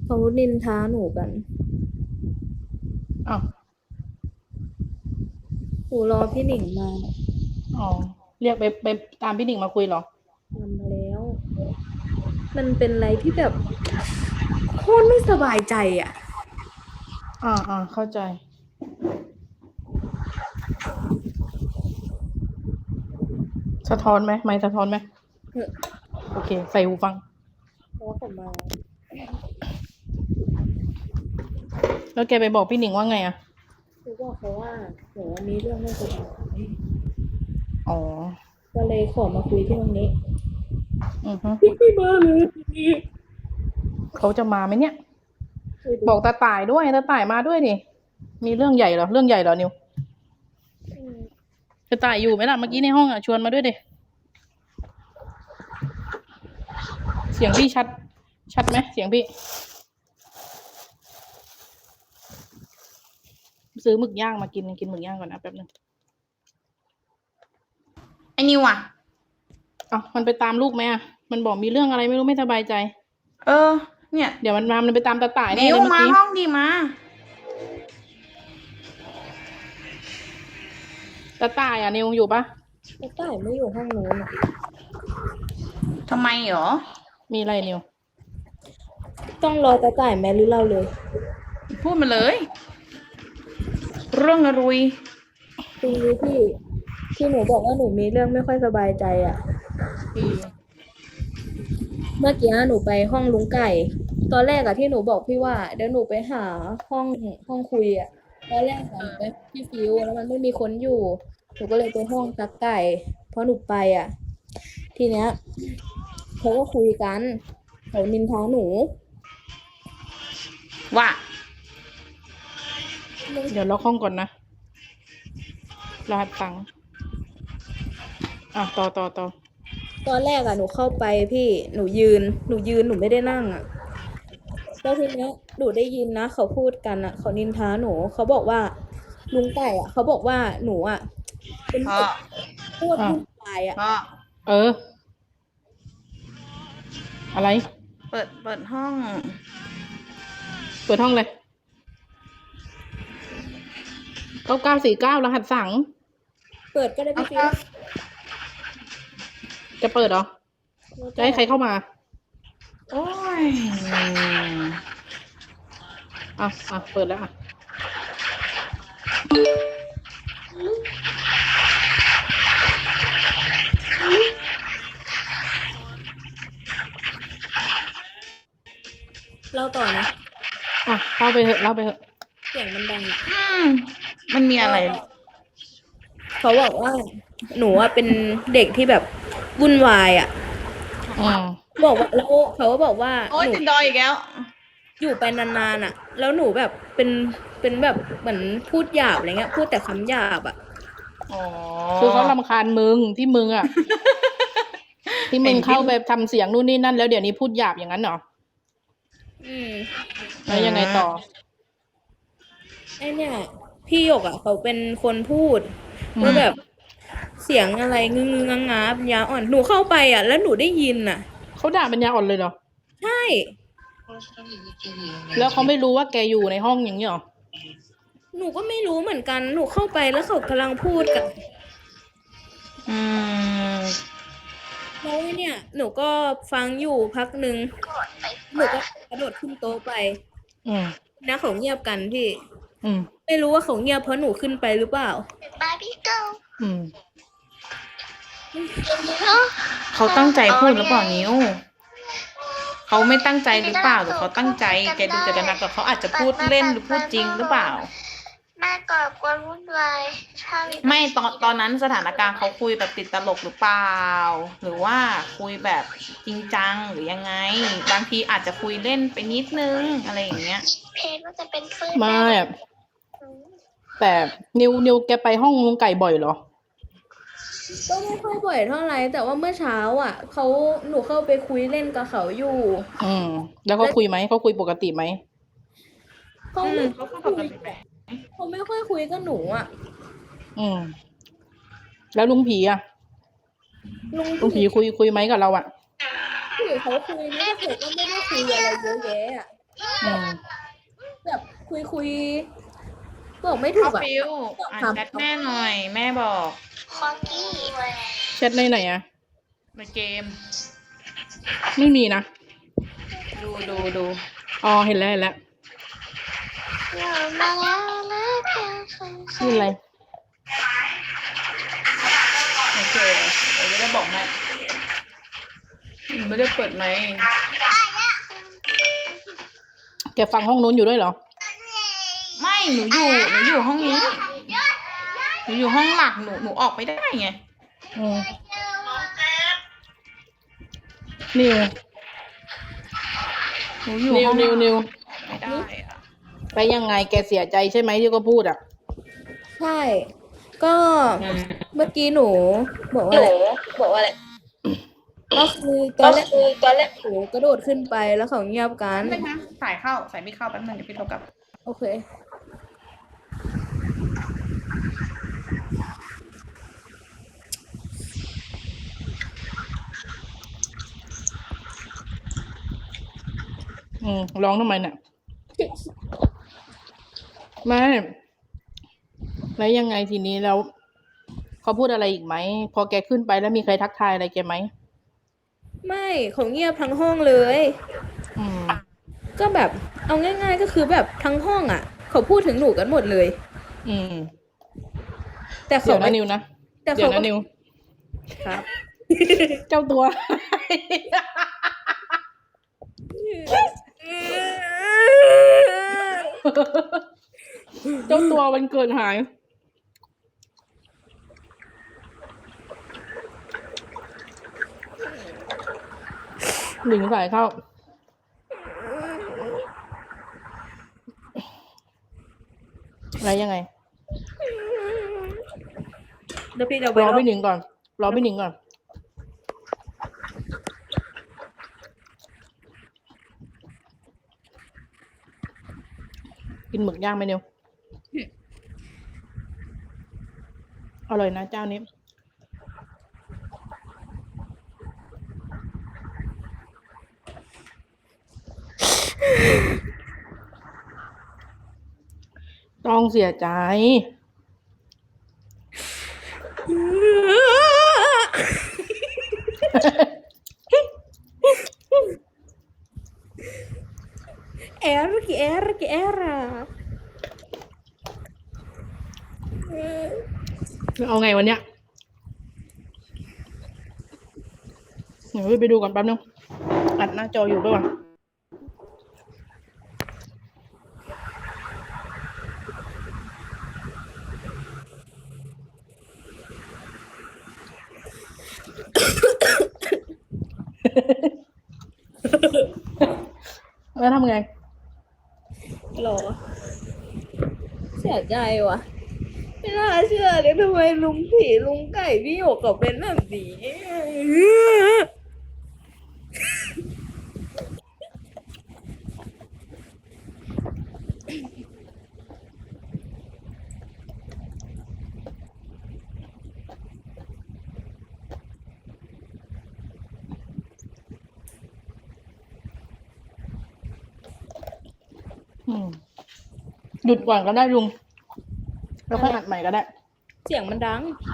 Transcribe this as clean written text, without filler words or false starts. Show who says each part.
Speaker 1: เขานินทาหนูกัน
Speaker 2: อ้าว
Speaker 1: หนูรอพี่หนิงมา
Speaker 2: อ๋อเรียกไปตามพี่หนิงมาคุยเหรอ
Speaker 1: ทำมาแล้วมันเป็นอะไรที่แบบโคตรไม่สบายใจอ่ะ
Speaker 2: เข้าใจสะท้อนไหมไม่สะท้อนไหม
Speaker 1: เออ
Speaker 2: โอเคใส่หูฟัง
Speaker 1: เพราะว่าผมมา
Speaker 2: แล้วแกไปบอกพี่หนิงว่าไงอ่ะ
Speaker 1: หนูบอกเขาว่าหนูมีเรื่องไม่สบายใจ
Speaker 2: อ๋อ
Speaker 1: ก็เลยขอมาคุยที่ตรงนี้
Speaker 2: อือฮึ
Speaker 1: ไม่มาเลย
Speaker 2: เขาจะมาไหมเนี่ย
Speaker 1: ไปดู
Speaker 2: บอกตาต่ายด้วยตาต่ายมาด้วยดิมีเรื่องใหญ่เหรอเรื่องใหญ่เหรอนิว
Speaker 1: อืม
Speaker 2: ตาต่ายอยู่ไหมล่ะเมื่อกี้ในห้องอ่ะชวนมาด้วยดิเสียงพี่ชัดไหมเสียงพี่ซื้อหมึกย่างมากินหมึกย่างก่อนนะแป๊บนึง
Speaker 3: ไอ้นิวอ่ะ
Speaker 2: อ้าวมันไปตามลูกไหมอ่ะมันบอกมีเรื่องอะไรไม่รู้ไม่สบายใจ
Speaker 3: เออเนี่ย
Speaker 2: เดี๋ยวมันไปตามตาต่ายแน่
Speaker 3: นิว
Speaker 2: เลยเมื่อกี้
Speaker 3: มาห้องดีมา
Speaker 2: ตาต่ายอ่ะนิวอยู่ปะ
Speaker 1: แต่ต่ายไม่อยู่ห้องนู้นอะ
Speaker 3: ทำไมหรอ
Speaker 2: มีอะไรนิว
Speaker 1: ต้องรอตาต่ายแม่หรือเราเลย
Speaker 3: พูดมาเลยเรื่องอะไร
Speaker 1: ทีนี้ที่หนูบอกว่าหนูมีเรื่องไม่ค่อยสบายใจอ่ะ
Speaker 2: อืม
Speaker 1: เมื่อกี้หนูไปห้องลุงไก่ตอนแรกอะที่หนูบอกพี่ว่าเดี๋ยวหนูไปหาห้องห้องคุยอะตอนแรกอะหนูไปพี่ฟิวแล้วมันไม่มีคนอยู่หนูก็เลยไปห้องตักไก่เพราะหนูไปอะทีเนี้ยเขาก็คุยกันเขานินทาหนู
Speaker 3: ว่า
Speaker 2: เดี๋ยวล็อกห้องก่อนนะรหัสตังค์ต่อ
Speaker 1: ตอนแรกอะหนูเข้าไปพี่หนูยืนหนูไม่ได้นั่งอะแล้วทีเนี้ยหนูได้ยินนะเขาพูดกันอะเขานินทาหนูเขาบอกว่าลุงไก่อะเขาบอกว่าหนูอะเป็น
Speaker 3: พ่อ
Speaker 1: เด็กพูด
Speaker 2: อ่ะ
Speaker 1: วุ่นวายอะ
Speaker 3: พ่อ
Speaker 2: เอออะไร
Speaker 3: เปิดห้อง
Speaker 2: เปิดห้องเลย9949รหัสสั่ง
Speaker 1: เปิดก็ได้
Speaker 3: เอา
Speaker 1: พี่ฟิว
Speaker 3: ครับ
Speaker 2: จะเปิดเหรอ
Speaker 1: แล้วแต่
Speaker 2: จะให้ใครเข้ามา
Speaker 3: โอ้ย
Speaker 2: เปิดแล้วอ่ะ
Speaker 1: เล่าต่อนะ
Speaker 2: เข้าไปเถอะเล่าไปเถอะ
Speaker 1: เสียงมันดังอะ
Speaker 3: อืมมันมีอะไร
Speaker 1: ก็เขาบอกว่าหนูอะเป็นเด็กที่แบบวุ่นวายอ่ะ
Speaker 2: อืม
Speaker 1: บอกว่าแล้วเขาก็บอกว่าหนู
Speaker 3: โอ้ยติดดอยอีกแล้ว
Speaker 1: อยู่ไปนานๆอ่ะแล้วหนูแบบเป็นแบบเหมือนพูดหยาบอะไรเงี้ยพูดแต่คำหยาบอ่ะ
Speaker 3: อ๋อ
Speaker 2: คือเขารำคาญมึงที่มึงอ่ะที่มึงเข้า
Speaker 3: ไอ้บิน
Speaker 2: ไปทำเสียงนู่นนี่นั่นแล้วเดี๋ยวนี้พูดหยาบอย่างนั้นเหรอ
Speaker 1: อืม
Speaker 2: แล้วยังไงต่อ
Speaker 1: ไอเนี่ยพี่หยกอ่ะเขาเป็นคนพูด
Speaker 2: อืม
Speaker 1: ว่าแบบเสียงอะไรงึงงงงาปัญญาอ่อนหนูเข้าไปอ่ะแล้วหนูได้ยินอ่ะ
Speaker 2: เขาด่าปัญญาอ่อนเลยเหรอ
Speaker 1: ใช่
Speaker 2: แล้วเขาไม่รู้ว่าแกอยู่ในห้องอย่างนี้เหรอ
Speaker 1: หนูก็ไม่รู้เหมือนกันหนูเข้าไปแล้วเขากำลังพูดกัน
Speaker 3: อืม
Speaker 1: แล้วเนี่ยหนูก็ฟังอยู่พักหนึ่งหนูก็กระโดดขึ้นโต๊ะไป
Speaker 2: อืม
Speaker 1: นะเขาเงียบกันพี่
Speaker 2: อืม
Speaker 1: ไม่รู้ว่าเขาเงียบเพราะหนูขึ้นไปหรือเปล่า
Speaker 2: อืม
Speaker 3: เขาตั้งใจพูดหรือเปล่านิ้วเขาไม่ตั้งใจหรือเปล่าหรือเขาตั้งใจแกดูเจตนากับเขาอาจจะพูดเล่นหรือพูดจริงหรือเปล่า
Speaker 4: แม่ก่อกวนวุ่นวายถ้ามี
Speaker 3: ไม่ตอนนั้นสถานการณ์เขาคุยแบบติดตลกหรือเปล่าหรือว่าคุยแบบจริงจังหรือยังไงบางทีอาจจะคุยเล่นไปนิดนึงอะไรอย่างเงี้ย
Speaker 4: เพจว่าจะเป็นฟื้น
Speaker 2: ไม่
Speaker 4: แม่
Speaker 2: อะแต่นิวแกไปห้องลุงไก่บ่อยเหรอ
Speaker 1: ก็ไม่ค่อยบ่อยเท่าไหร่แต่ว่าเมื่อเช้าอ่ะหนูเข้าไปคุยเล่นกับเขาอยู่
Speaker 2: อืมแล้วเขา
Speaker 1: แล้ว
Speaker 2: คุยไหมเขาคุยปกติไหม
Speaker 1: เขาไม่
Speaker 3: เขาก็ป
Speaker 1: คุย
Speaker 3: กติแหละ
Speaker 1: เขาไม่ค่อยคุยกับหนูอ่ะ
Speaker 2: อืมแล้วลุงผีอ่ะ
Speaker 1: ลุง
Speaker 2: ลุงผีคุยไหมกับเราอ่ะ
Speaker 1: พี่เขาคุยนะแต่เขาก็ไม่ได้คุยอะไรเยอะแยะอ่ะ
Speaker 2: อืม
Speaker 1: แบบคุยบอกไม่ถู
Speaker 3: พ่อก
Speaker 1: อ่ะ
Speaker 3: ฟิวอ่านแชทแม่หน่อย แม่บอก
Speaker 4: คอกี้
Speaker 2: แชทในไหนอะ
Speaker 3: ในเกม
Speaker 2: ไม่มีนะ
Speaker 3: ดู
Speaker 2: อ๋อ เห็นแล้วเห็นแล้ว
Speaker 4: เรามาแล้วและเพียงฝัน
Speaker 2: นี่อะไร
Speaker 3: โอเคเราจะได้บอกแม่ไม่ได้เปิดไหมค์
Speaker 2: แกฟังห้องนู้นอยู่ด้วยเหรอ
Speaker 3: ไม่หนูอยู่ห้องนี้หนูอยู่ห้องหลักหนูออกไปได้ไง
Speaker 2: อืมนิว
Speaker 3: หนูอยู่
Speaker 2: นิว
Speaker 3: ห้อง
Speaker 2: นิว
Speaker 3: ไม่ได้อะ
Speaker 2: ไปยังไง แกเสียใจใช่ไหมที่ก็พูดอ่ะ
Speaker 1: ใช่ ก็เมื่อกี้หนูบอกว่าอะไรก็คือตอนแรกหนูกระโดดขึ้นไปแล้วเขาเงียบกัน
Speaker 3: ไม่นะสายไม่เข้าแป๊บนึงเดี๋ยวพี่โทรกลับ
Speaker 1: โอเค
Speaker 2: ร้องทำไมเนี่ยไม่แล้วยังไงทีนี้แล้วเขาพูดอะไรอีกไหม พอแกขึ้นไปแล้วมีใครทักทายอะไรแกไหม
Speaker 1: ไม่เขาเงียบทั้งห้องเลย
Speaker 2: อืม
Speaker 1: ก็แบบเอาง่ายๆก็คือแบบทั้งห้องอ่ะ เขาพูดถึงหนูกันหมดเลย
Speaker 2: อืม
Speaker 1: แต่
Speaker 2: เดี๋
Speaker 1: เขา
Speaker 2: ยวนะนิวนะ
Speaker 1: แต่
Speaker 2: เดี๋ย
Speaker 1: เขา
Speaker 2: ว
Speaker 1: ก็
Speaker 2: นะนิว
Speaker 1: ครับ
Speaker 2: เจ้าตัว เจ้าตัววันเกิดหาย หลิงสายเข้า อะไรยังไง
Speaker 1: เดี๋ยวพี่จะไป
Speaker 2: รอพี่หนิงก่อน รอพี่หนิงก่อน กินหมึกย่างไหมนิวอร่อยนะเจ้านี้ ต้องเสียใจ
Speaker 1: แอร์
Speaker 2: เอาไงวันเนี้ยเดี๋ยวไปดูก่อนแป๊บนึง อัดหน้าจออยู่ป่ะวะแล้วทำไง
Speaker 1: หรอ เสียใจว่ะ ไม่น่าเชื่อเลยทำไมลุงผีลุงไก่พี่หยกกับเป็นแบบนี้
Speaker 2: หยุดก่อนก็ได้ลุง แล้วค่อยอัดใหม่ก็ได้
Speaker 1: เสียงมันดัง